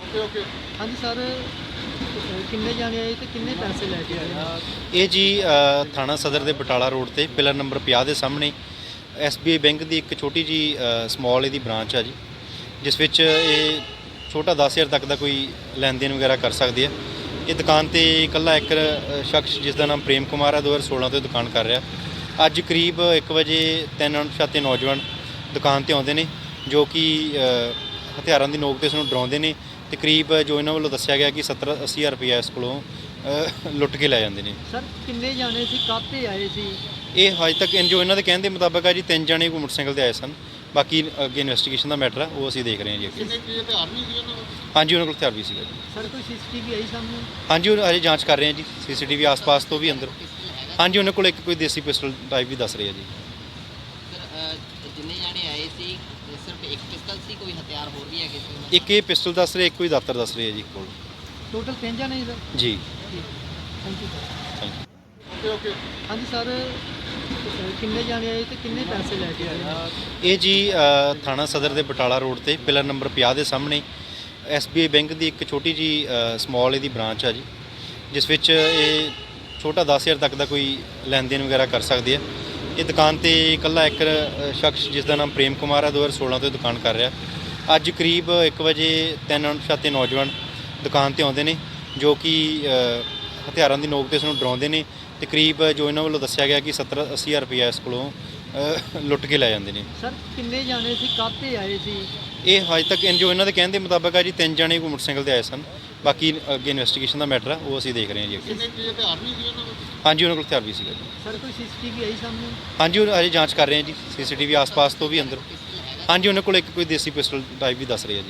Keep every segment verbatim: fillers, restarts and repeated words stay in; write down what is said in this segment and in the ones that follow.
Okay okay हाँ जी sir, किन्ने जाने आए ते किन्ने पैसे लेके आए? ਇਹ ਜੀ ਅ, ਥਾਣਾ ਸਦਰ ਦੇ ਬਟਾਲਾ ਰੋਡ ਤੇ ਪਿਲਰ ਨੰਬਰ ਪੰਜਾਹ ਦੇ ਸਾਹਮਣੇ ਐਸ ਬੀ ਆਈ ਬੈਂਕ ਦੀ ਇੱਕ ਛੋਟੀ ਜੀ ਸਮਾਲ ਇਹਦੀ ਬ੍ਰਾਂਚ ਆ ਜੀ, ਜਿਸ ਵਿੱਚ ਇਹ ਛੋਟਾ ਦਸ ਹਜ਼ਾਰ ਤੱਕ ਦਾ ਕੋਈ ਲੈਣ ਦੇਣ ਵਗੈਰਾ ਕਰ ਸਕਦੇ ਆ। ਇਹ ਦੁਕਾਨ ਤੇ ਇਕੱਲਾ ਇੱਕ ਅ, ਸ਼ਖਸ ਜਿਸ ਦਾ ਨਾਮ ਪ੍ਰੇਮ ਕੁਮਾਰ ਹੈ ਦੋ ਹਜ਼ਾਰ ਸੋਲਾਂ ਤੋਂ ਇਹ ਦੁਕਾਨ ਕਰ ਰਿਹਾ। ਅੱਜ ਕਰੀਬ ਇੱਕ ਵਜੇ ਤਿੰਨ ਅਣਪਛਾਤੇ ਨੌਜਵਾਨ ਦੁਕਾਨ ਤੇ ਆਉਂਦੇ ਨੇ, ਜੋ ਕਿ ਅ, ਹਥਿਆਰਾਂ ਦੀ ਨੋਕ ਤੇ ਇਸ ਨੂੰ ਡਰਾਉਂਦੇ ਨੇ ਤੇ ਕਰੀਬ ਜੋ ਇਹਨਾਂ ਵੱਲੋਂ ਦੱਸਿਆ ਗਿਆ ਕਿ ਸੱਤਰ ਅੱਸੀ ਹਜ਼ਾਰ ਰੁਪਇਆ ਇਸ ਕੋਲੋਂ ਅ, ਲੁੱਟ ਕੇ ਲੈ ਜਾਂਦੇ ਨੇ। ਸਰ ਕਿੰਨੇ ਜਾਣੇ ਸੀ, ਕਾਹਤੇ ਆਏ ਸੀ? ਇਹ ਹਜੇ ਤੱਕ ਇਨ- ਜੋ ਇਹਨਾਂ ਦੇ ਕਹਿਣ ਦੇ ਮੁਤਾਬਕ ਆ ਜੀ, ਤਿੰਨ ਜਣੇ ਕੋਈ ਮੋਟਰਸਾਈਕਲ ਤੇ ਆਏ ਸਨ। ਬਾਕੀ ਅੱਗੇ ਇਨਵੈਸਟੀਗੇਸ਼ਨ ਦਾ ਮੈਟਰ ਆ, ਉਹ ਅਸੀਂ ਦੇਖ ਰਹੇ ਹਾਂ ਜੀ ਅੱਗੇ। कितने की हथियार नहीं दिए ना ਹਾਂਜੀ, ਉਹਨਾਂ ਕੋਲ ਹਥਿਆਰ ਵੀ ਸੀਗਾ ਜੀ। ਸਰ ਕੋਈ ਸੀਸੀਟੀਵੀ ਆਈ ਸਾਹਮਣੇ? ਹਾਂਜੀ, ਉਹ ਹਜੇ ਜਾਂਚ ਕਰ ਰਹੇ ਹਾਂ ਜੀ, ਸੀਸੀਟੀਵੀ ਆਸ-ਪਾਸ ਤੋਂ ਵੀ ਅੰਦਰ। ਹਾਂਜੀ, ਉਹਨਾਂ ਕੋਲ ਇੱਕ ਕੋਈ ਦੇਸੀ ਪਿਸਟਲ ਟਾਈਪ ਵੀ ਦੱਸ ਰਹੇ ਆ ਜੀ। ਸਰ ਅ, ਜਿੰਨੇ ਜਾਣੇ ਆਏ ਸੀ ਸਿਰਫ ਇੱਕ ਪਿਸਤਲ ਸੀ, ਕੋਈ ਹਥਿਆਰ ਹੋਰ ਵੀ ਹੈਗੇ ਸੀ ਉਹਨਾਂ ਇੱਕ ਇਹ ਪਿਸਟਲ ਦੱਸ ਰਹੇ, ਇੱਕ ਕੋਈ ਦਾਤਰ ਦੱਸ ਰਹੇ ਆ ਜੀ ਕੋਲ। ਟੋਟਲ ਤਿੰਨ ਜਾਣੇ ਸੀ ਸਰ? ਜੀ, thank you sir. Thank you. Okay okay हाँ जी सर, किन्ने जाने आए ते किन्ने पैसे लेके आए? ਇਹ ਜੀ ਅ, ਥਾਣਾ ਸਦਰ ਦੇ ਬਟਾਲਾ ਰੋਡ ਤੇ ਪਿਲਰ ਨੰਬਰ ਪੰਜਾਹ ਦੇ ਸਾਹਮਣੇ ਐਸ ਬੀ ਆਈ ਬੈਂਕ ਦੀ ਇੱਕ ਛੋਟੀ ਜੀ ਸਮਾਲ ਇਹਦੀ ਬ੍ਰਾਂਚ ਆ ਜੀ, ਜਿਸ ਵਿੱਚ ਇਹ ਛੋਟਾ ਦਸ ਹਜ਼ਾਰ ਤੱਕ ਦਾ ਕੋਈ ਲੈਣ ਦੇਣ ਵਗੈਰਾ ਕਰ ਸਕਦੇ ਆ। ਇਹ ਦੁਕਾਨ ਤੇ ਇਕੱਲਾ ਇੱਕ ਅ, ਸ਼ਖਸ ਜਿਸ ਦਾ ਨਾਮ ਪ੍ਰੇਮ ਕੁਮਾਰ ਹੈ ਦੋ ਹਜ਼ਾਰ ਸੋਲਾਂ ਤੋਂ ਇਹ ਦੁਕਾਨ ਕਰ ਰਿਹਾ। ਅੱਜ ਕਰੀਬ ਇੱਕ ਵਜੇ ਤਿੰਨ ਅਣਪਛਾਤੇ ਨੌਜਵਾਨ ਦੁਕਾਨ ਤੇ ਆਉਂਦੇ ਨੇ, ਜੋ ਕਿ ਅ, ਹਥਿਆਰਾਂ ਦੀ ਨੋਕ ਤੇ ਇਸ ਨੂੰ ਡਰਾਉਂਦੇ ਨੇ ਤੇ ਕਰੀਬ ਜੋ ਇਹਨਾਂ ਵੱਲੋਂ ਦੱਸਿਆ ਗਿਆ ਕਿ ਸੱਤਰ ਅੱਸੀ ਹਜ਼ਾਰ ਰੁਪਇਆ ਇਸ ਕੋਲੋਂ ਅ, ਲੁੱਟ ਕੇ ਲੈ ਜਾਂਦੇ ਨੇ। ਸਰ ਕਿੰਨੇ ਜਾਣੇ ਸੀ, ਕਾਹਤੇ ਆਏ ਸੀ? ਇਹ ਹਜੇ ਤੱਕ ਇਨ- ਜੋ ਇਹਨਾਂ ਦੇ ਕਹਿਣ ਦੇ ਮੁਤਾਬਕ ਆ ਜੀ, ਤਿੰਨ ਜਣੇ ਕੋਈ ਮੋਟਰਸਾਈਕਲ ਤੇ ਆਏ ਸਨ। ਬਾਕੀ ਅੱਗੇ ਇਨਵੈਸਟੀਗੇਸ਼ਨ ਦਾ ਮੈਟਰ ਆ, ਉਹ ਅਸੀਂ ਦੇਖ ਰਹੇ ਹਾਂ ਜੀ ਅੱਗੇ। कितने की हथियार नहीं दिए ना ਹਾਂਜੀ, ਉਹਨਾਂ ਕੋਲ ਹਥਿਆਰ ਵੀ ਸੀਗਾ ਜੀ। ਸਰ ਕੋਈ ਸੀਸੀਟੀਵੀ ਆਈ ਸਾਹਮਣੇ? ਹਾਂਜੀ, ਉਹ ਹਜੇ ਜਾਂਚ ਕਰ ਰਹੇ ਹਾਂ ਜੀ, ਸੀਸੀਟੀਵੀ ਆਸ-ਪਾਸ ਤੋਂ ਵੀ ਅੰਦਰ। ਹਾਂਜੀ, ਉਹਨਾਂ ਕੋਲ ਇੱਕ ਕੋਈ ਦੇਸੀ ਪਿਸਟਲ ਟਾਈਪ ਵੀ ਦੱਸ ਰਹੇ ਆ ਜੀ।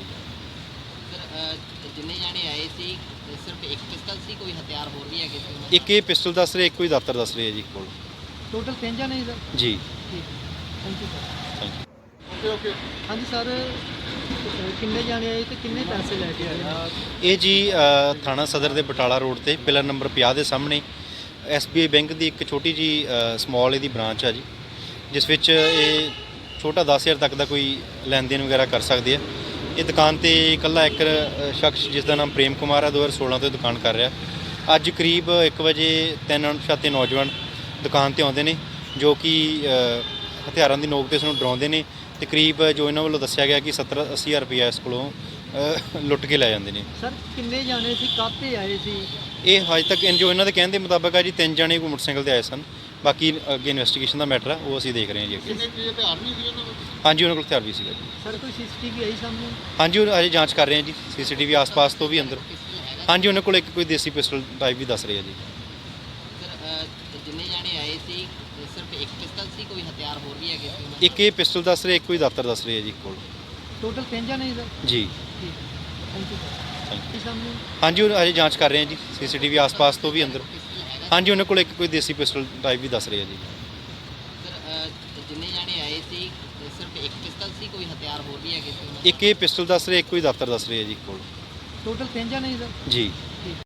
ਸਰ ਅ, ਜਿੰਨੇ ਜਾਣੇ ਆਏ ਸੀ ਸਿਰਫ ਇੱਕ ਪਿਸਤਲ ਸੀ, ਕੋਈ ਹਥਿਆਰ ਹੋਰ ਵੀ ਹੈਗੇ ਸੀ ਉਹਨਾਂ ਇੱਕ ਇਹ ਪਿਸਟਲ ਦੱਸ ਰਹੇ, ਇੱਕ ਕੋਈ ਦਾਤਰ ਦੱਸ ਰਹੇ ਆ ਜੀ ਕੋਲ। ਟੋਟਲ ਤਿੰਨ ਜਾਣੇ ਸੀ ਸਰ? ਜੀ, thank you sir. Thank you. Okay okay हाँ जी सर, किन्ने जाने आए ते किन्ने पैसे लेके आए? ਇਹ ਜੀ ਅ, ਥਾਣਾ ਸਦਰ ਦੇ ਬਟਾਲਾ ਰੋਡ ਤੇ ਪਿਲਰ ਨੰਬਰ ਪੰਜਾਹ ਦੇ ਸਾਹਮਣੇ ਐਸ ਬੀ ਆਈ ਬੈਂਕ ਦੀ ਇੱਕ ਛੋਟੀ ਜੀ ਸਮਾਲ ਇਹਦੀ ਬ੍ਰਾਂਚ ਆ ਜੀ, ਜਿਸ ਵਿੱਚ ਇਹ ਛੋਟਾ ਦਸ ਹਜ਼ਾਰ ਤੱਕ ਦਾ ਕੋਈ ਲੈਣ ਦੇਣ ਵਗੈਰਾ ਕਰ ਸਕਦੇ ਆ। ਇਹ ਦੁਕਾਨ ਤੇ ਇਕੱਲਾ ਇੱਕ ਅ, ਸ਼ਖਸ ਜਿਸ ਦਾ ਨਾਮ ਪ੍ਰੇਮ ਕੁਮਾਰ ਹੈ ਦੋ ਹਜ਼ਾਰ ਸੋਲਾਂ ਤੋਂ ਇਹ ਦੁਕਾਨ ਕਰ ਰਿਹਾ। ਅੱਜ ਕਰੀਬ ਇੱਕ ਵਜੇ ਤਿੰਨ ਅਣਪਛਾਤੇ ਨੌਜਵਾਨ ਦੁਕਾਨ ਤੇ ਆਉਂਦੇ ਨੇ, ਜੋ ਕਿ ਅ, ਹਥਿਆਰਾਂ ਦੀ ਨੋਕ ਤੇ ਇਸ ਨੂੰ ਡਰਾਉਂਦੇ ਨੇ ਤੇ ਕਰੀਬ ਜੋ ਇਹਨਾਂ ਵੱਲੋਂ ਦੱਸਿਆ ਗਿਆ ਕਿ ਸੱਤਰ ਅੱਸੀ ਹਜ਼ਾਰ ਰੁਪਇਆ ਇਸ ਕੋਲੋਂ ਅ, ਲੁੱਟ ਕੇ ਲੈ ਜਾਂਦੇ ਨੇ। ਸਰ ਕਿੰਨੇ ਜਾਣੇ ਸੀ, ਕਾਹਤੇ ਆਏ ਸੀ? ਇਹ ਹਜੇ ਤੱਕ ਇਨ- ਜੋ ਇਹਨਾਂ ਦੇ ਕਹਿਣ ਦੇ ਮੁਤਾਬਕ ਆ ਜੀ, ਤਿੰਨ ਜਣੇ ਕੋਈ ਮੋਟਰਸਾਈਕਲ ਤੇ ਆਏ ਸਨ। ਬਾਕੀ ਅੱਗੇ ਇਨਵੈਸਟੀਗੇਸ਼ਨ ਦਾ ਮੈਟਰ ਆ, ਉਹ ਅਸੀਂ ਦੇਖ ਰਹੇ ਹਾਂ ਜੀ ਅੱਗੇ। कितने की हथियार नहीं दिए ना ਹਾਂਜੀ, ਉਹਨਾਂ ਕੋਲ ਹਥਿਆਰ ਵੀ ਸੀਗਾ ਜੀ। ਸਰ ਕੋਈ ਸੀਸੀਟੀਵੀ ਆਈ ਸਾਹਮਣੇ? ਹਾਂਜੀ, ਉਹ ਹਜੇ ਜਾਂਚ ਕਰ ਰਹੇ ਹਾਂ ਜੀ, ਸੀਸੀਟੀਵੀ ਆਸ-ਪਾਸ ਤੋਂ ਵੀ ਅੰਦਰ। ਹਾਂਜੀ, ਉਹਨਾਂ ਕੋਲ ਇੱਕ ਕੋਈ ਦੇਸੀ ਪਿਸਟਲ ਟਾਈਪ ਵੀ ਦੱਸ ਰਹੇ ਆ ਜੀ। ਸਰ ਅ, ਜਿੰਨੇ ਜਾਣੇ ਆਏ ਸੀ ਸਿਰਫ ਇੱਕ ਪਿਸਤਲ ਸੀ, ਕੋਈ ਹਥਿਆਰ ਹੋਰ ਵੀ ਹੈਗੇ ਸੀ ਉਹਨਾਂ ਇੱਕ ਇਹ ਪਿਸਟਲ ਦੱਸ ਰਹੇ, ਇੱਕ ਕੋਈ ਦਾਤਰ ਦੱਸ ਰਹੇ ਆ ਜੀ ਕੋਲ। ਟੋਟਲ ਤਿੰਨ ਜਾਣੇ ਸੀ ਸਰ? ਜੀ, thank you sir. Thank you. ਕੀ ਸਾਹਮਣੇ? ਹਾਂਜੀ, ਉਹ ਹਜੇ ਜਾਂਚ ਕਰ ਰਹੇ ਹਾਂ ਜੀ, ਸੀਸੀਟੀਵੀ ਆਸ-ਪਾਸ ਤੋਂ ਵੀ ਅੰਦਰ। ਹਾਂਜੀ, ਉਹਨਾਂ ਕੋਲ ਇੱਕ ਕੋਈ ਦੇਸੀ ਪਿਸਟਲ ਟਾਈਪ ਵੀ ਦੱਸ ਰਹੇ ਆ ਜੀ। ਸਰ ਅ, ਜਿੰਨੇ ਜਾਣੇ ਆਏ ਸੀ ਸਿਰਫ ਇੱਕ ਪਿਸਤਲ ਸੀ, ਕੋਈ ਹਥਿਆਰ ਹੋਰ ਵੀ ਹੈਗੇ ਸੀ ਉਹਨਾਂ ਇੱਕ ਇਹ ਪਿਸਟਲ ਦੱਸ ਰਹੇ, ਇੱਕ ਕੋਈ ਦਾਤਰ ਦੱਸ ਰਹੇ ਆ ਜੀ ਕੋਲ। ਟੋਟਲ ਤਿੰਨ ਜਾਣੇ ਸੀ ਸਰ? ਜੀ,